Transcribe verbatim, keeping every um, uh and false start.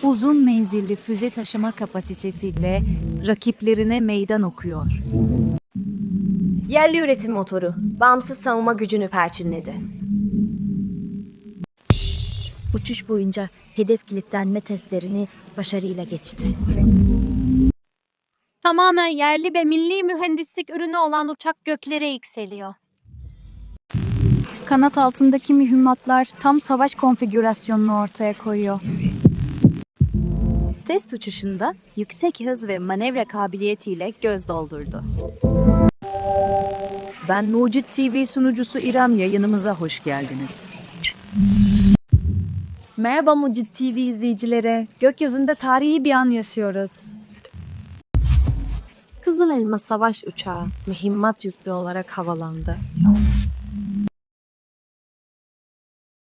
uzun menzilli füze taşıma kapasitesiyle rakiplerine meydan okuyor. Yerli üretim motoru, bağımsız savunma gücünü perçinledi. Uçuş boyunca hedef kilitlenme testlerini başarıyla geçti. Tamamen yerli ve milli mühendislik ürünü olan uçak göklere yükseliyor. Kanat altındaki mühimmatlar tam savaş konfigürasyonunu ortaya koyuyor. Test uçuşunda yüksek hız ve manevra kabiliyetiyle göz doldurdu. Ben Mucit T V sunucusu İrem, yayınımıza hoş geldiniz. Merhaba Mucit T V izleyicilere. Gökyüzünde tarihi bir an yaşıyoruz. Kızıl Elma savaş uçağı mühimmat yüklü olarak havalandı.